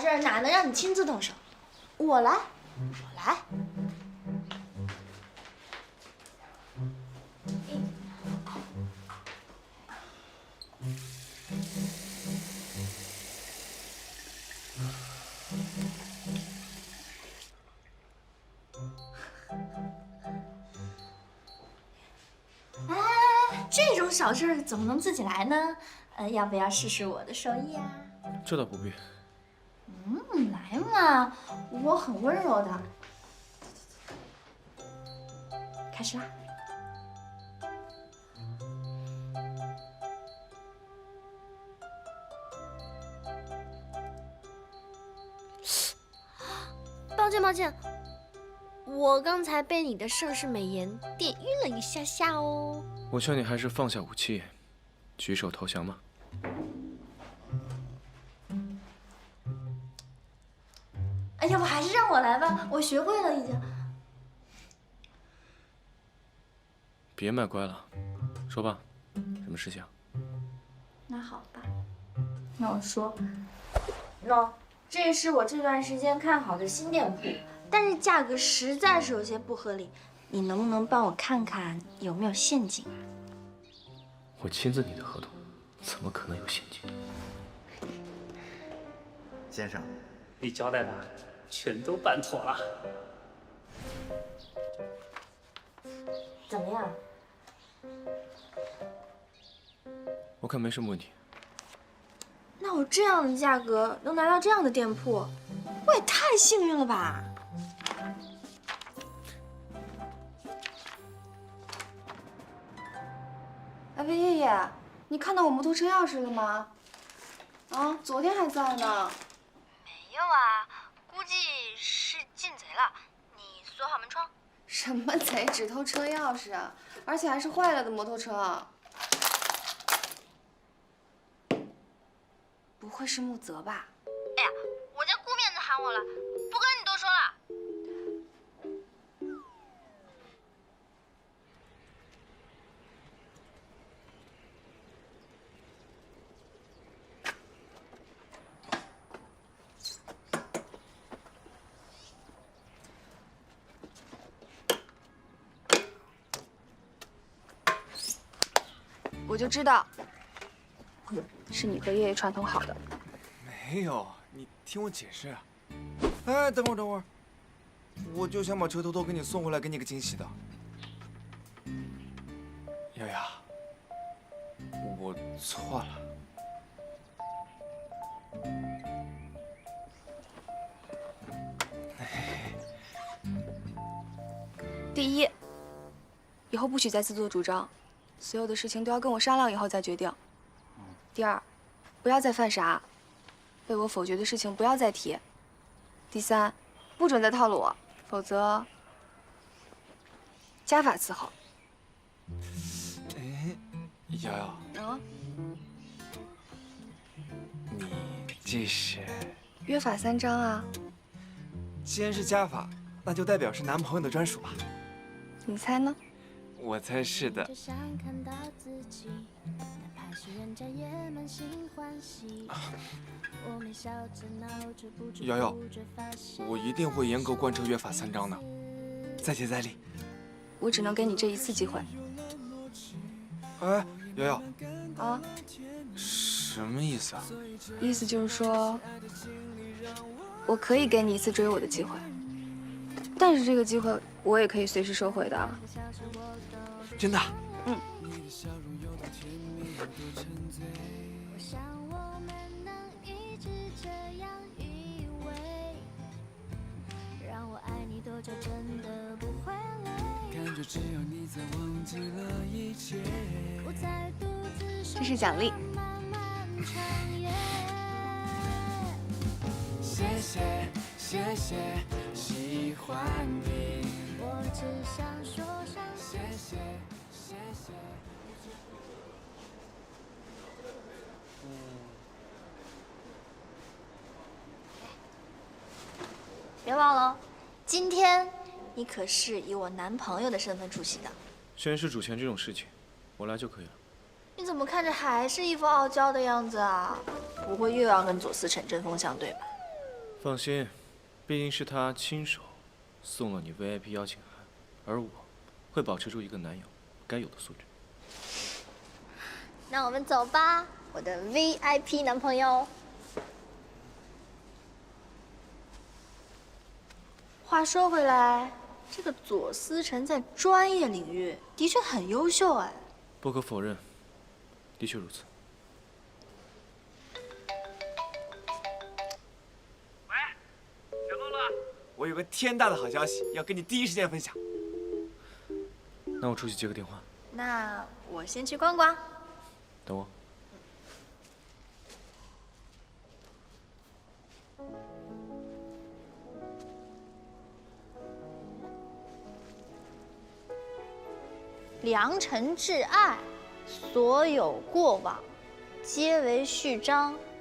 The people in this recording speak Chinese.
事哪能让你亲自动手？我来，我来。哎，这种小事怎么能自己来呢？要不要试试我的手艺啊？ 这倒不必。 来嘛，我很温柔的。开始啦！ 抱歉，抱歉，我刚才被你的盛世美颜电晕了一下下哦。 我劝你还是放下武器，举手投降吧。 哎，要不还是让我来吧，我学会了已经。 别卖乖了，说吧，什么事情？ 那好吧，那我说，喏，这是我这段时间看好的新店铺，但是价格实在是有些不合理，你能不能帮我看看有没有陷阱啊？ 我亲自拟的合同，怎么可能有陷阱？ 先生， 你交代的全都办妥了。 怎么样？ 我看没什么问题。 那我这样的价格能拿到这样的店铺，我也太幸运了吧！ 哎，魏爷爷，你看到我摩托车钥匙了吗？啊，昨天还在呢。 没有啊，估计是进贼了。你锁好门窗。 什么贼，只偷车钥匙啊？而且还是坏了的摩托车。不会是穆泽吧？ 哎呀，我家顾面子喊我了，不跟你多说了。 我就知道，是你和爷爷串通好的。 没有，你听我解释。哎，等会儿，等会儿，我就想把车偷偷给你送回来，给你个惊喜的。瑶瑶，我错了。 第一，以后不许再自作主张，所有的事情都要跟我商量以后再决定。第二，不要再犯傻，被我否决的事情不要再提。第三，不准再套路我，否则家法伺候。 哎，瑶瑶， 啊？ 你这是？ 约法三章啊。 既然是家法，那就代表是男朋友的专属吧？ 你猜呢？ 我猜是的。瑶瑶，我一定会严格贯彻约法三章的，再接再厉。 我只能给你这一次机会。 哎，瑶瑶， 啊？ 什么意思啊？ 意思就是说，我可以给你一次追我的机会，但是这个机会我也可以随时收回的。 真的？ 嗯。这是奖励。 谢谢，谢谢，喜欢你。我只想说声谢谢，谢谢。 别忘了，今天你可是以我男朋友的身份出席的。 宣誓主权这种事情，我来就可以了。 你怎么看着还是一副傲娇的样子啊？不会又要跟左思成针锋相对吧？ 放心，毕竟是他亲手送了你 VIP 邀请函，而我会保持住一个男友该有的素质。 那我们走吧，我的 VIP 男朋友。 话说回来，这个左思辰在专业领域的确很优秀哎。 不可否认，的确如此。 喂，小洛洛，我有个天大的好消息要跟你第一时间分享。 那我出去接个电话。 那我先去逛逛。 等我。 良辰挚爱，所有过往皆为序章。